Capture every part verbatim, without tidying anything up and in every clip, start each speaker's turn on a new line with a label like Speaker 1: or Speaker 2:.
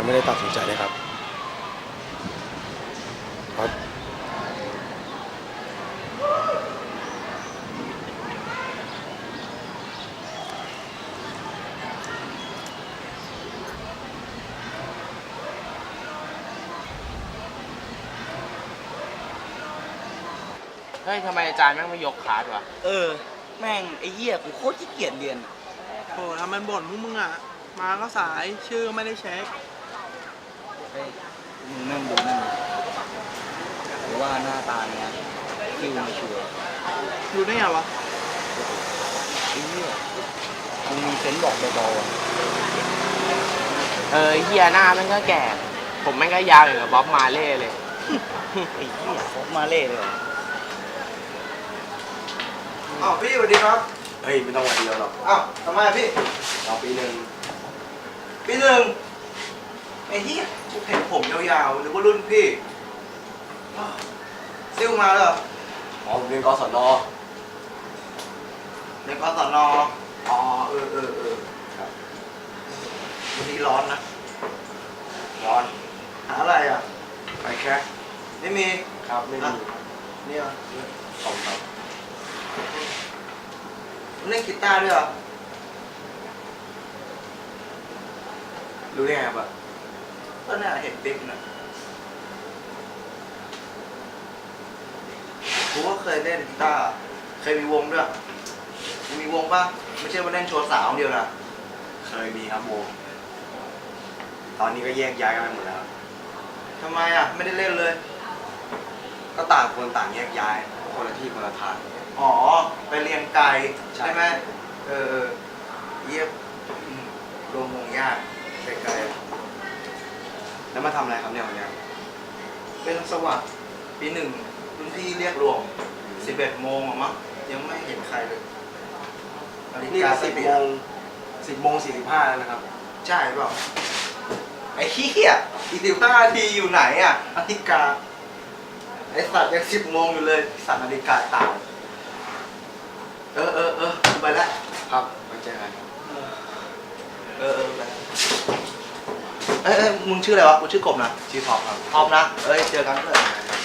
Speaker 1: ไม่ได้ตัดสินใจเลยครับเพราะ
Speaker 2: เฮ้ยทำไมอาจารย์แม่งไม่ยกคลาสวะ
Speaker 3: เออแม่งไอ้เหี้ยกูโคตรขี้เกียจเรียน
Speaker 4: โอ้ทำมันบ่นพวกมึงอ่ะ มาก็สายชื่อไม่ได้เช็ค
Speaker 3: เฮ้ยมึงนั่งดูนั่นหรือว่าหน้าตาเนี้ยคิวไม่ชัวร์
Speaker 4: ดูได้ไงวะ
Speaker 3: ไอ้เหี้ยมึงมีเซนส์บอกเบาๆอ่ะ
Speaker 2: เออเฮียหน้าแม่งก็แก่ ผมแม่งก็ยาวอย่างกับบ๊อบมาเล่เลย
Speaker 3: ไอ้เหี้ยฟกมาเล่เลยเหรอ
Speaker 1: อ้าวพี่สวัสดีครับเฮ้ยไม่ต้องวันเดียวหรอกอ้าวทำไมพี่เราปีหนึ่งปีหนึ่งไอ้เหี้ยกูเห็นผมยาวๆนึกว่ารุ่นพี่อ้าวซิ่วมาเหรออ๋อผมเรียนกศนเรียนกศนอ๋อเออเออเออครับวันนี้ร้อนนะร้อนหาอะไรอ่ะไปแค่ไม่มีครับไม่มีนี่อ่ะสองครับเล่นกีตาร์ด้วยเหรอรู้ได้ไงครับก็น่าเห็นติ๊กนะกูก็เคยเล่นกีตาร์เคยมีวงด้วยมีวงป่ะไม่ใช่ว่าเล่นโชว์สาวเดียวนะเคยมีครับวงตอนนี้ก็แยกย้ายกันไปหมดแล้วทำไมอ่ะไม่ได้เล่นเลยก็ต่างคนต่างแยกย้ายคนละที่คนละทางอ๋อไปเรียนไกลใช่ไหมเออเยี่ยมรวมวงยากไกลๆแล้วมาทำอะไรครับเนี่ยวันนี้เป็นสวัสดิ์ปีหนึ่งรุ่นพี่เรียกรวมสิบเอ็ดโมงมั้งยังไม่เห็นใครเลยนี่ก็สิบโมงสิบโมงสี่สิบห้าแล้วนะครับใช่เปล่าไอ้เหี้ยอีกสิบห้านาทีอยู่ไหนอ่ะนาฬิกาไอ้สัตว์ยังสิบโมงอยู่เลยสัตว์นาฬิกาตายเออเออเออไปแล้วครับไปเจอกันเออเออไปเอ้ยมึงชื่ออะไรวะกูชื่อกบนะชื่อท็อปครับท็อปนะเอ้ยเจอกันเลย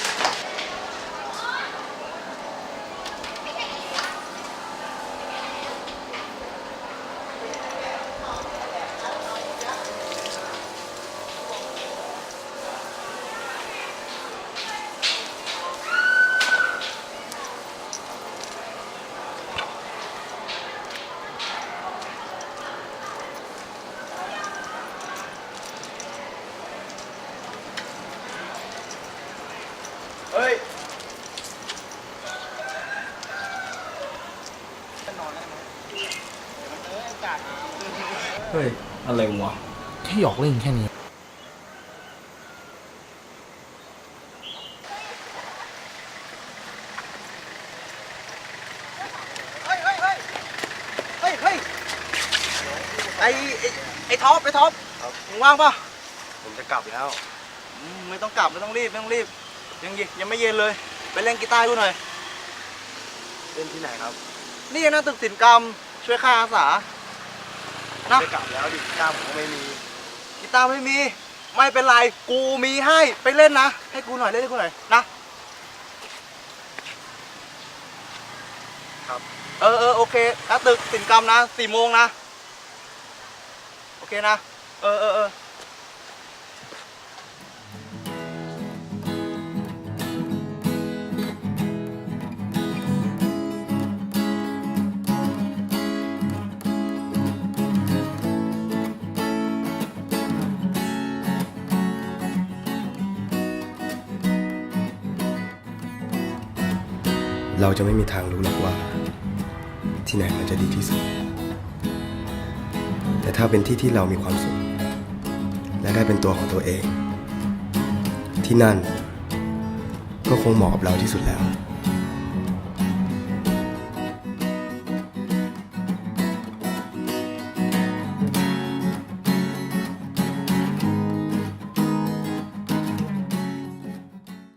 Speaker 1: เฮ้ยเฮ้ยอะไรวะแค่หยอกเล่นแค่นี้เฮ้ยเฮ้ยเฮ้ยเฮ้ยเฮ้ยไอไอท็อปไอท็อปมึงว่างป่ะผมจะกลับแล้วไม่ต้องกลับไม่ต้องรีบไม่ต้องรีบยังยังไม่เย็นเลยไปเล่นกีตาร์กูหน่อยเล่นที่ไหนครับนี่นะตึกศิลปกรรมช่วยค่าอาสานะไปกลับแล้วดิกีตาร์ผมไม่มีกีตาร์ไม่มีไม่เป็นไรกูมีให้ไปเล่นนะให้กูหน่อยเล่นให้กูหน่อยนะครับเออเออโอเคนะตึกศิลปกรรมนะสี่โมงนะโอเคนะเออเออเออเราจะไม่มีทางรู้หรอกว่าที่ไหนมันจะดีที่สุดแต่ถ้าเป็นที่ที่เรามีความสุขและได้เป็นตัวของตัวเองที่นั่นก็คงเหมาะกับเราที่สุดแล้ว